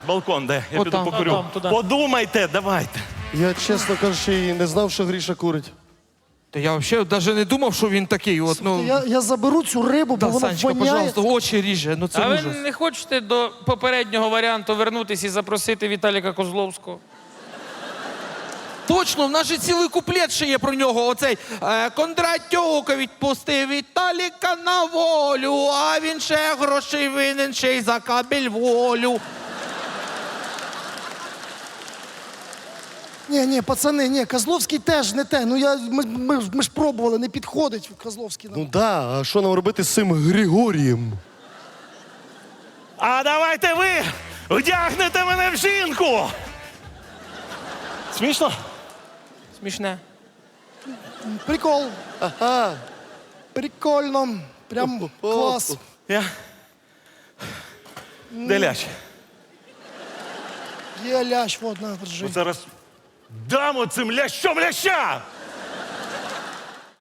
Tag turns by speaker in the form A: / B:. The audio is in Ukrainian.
A: Балкон, де? Я
B: От
A: піду
B: там,
A: покурю.
B: там, туди.
A: Подумайте, давайте.
C: Я, чесно кажучи, і не знав, що Гріша курить.
B: Та я взагалі навіть не думав, що він такий. От, ну,
C: Я заберу цю рибу, бо
B: да,
C: вона
B: Санечка,
C: воняє.
B: пожалуйста, очі ріже. Ну це
D: А ви
B: ужас.
D: не хочете до попереднього варіанту вернутися і запросити Віталіка Козловського?
B: Точно, в нас же цілий куплет ще є про нього. Оцей Кондратюк відпустив Віталіка на волю, а він ще грошей винен, ще й за кабель волю.
C: Ні, пацани, ні, Козловський теж не те. Ну ми ж пробували, не підходить Козловський нам.
E: Ну да, а що нам робити з цим Григорієм?
A: А давайте ви вдягнете мене в жінку. Смішно?
D: Смішне.
C: Прикол,
E: Ага.
C: прикольно, прям клас.
A: Я? Де ляч?
C: Є лящ, вот, на, держи.
A: Зараз дам оцим лящом ляща!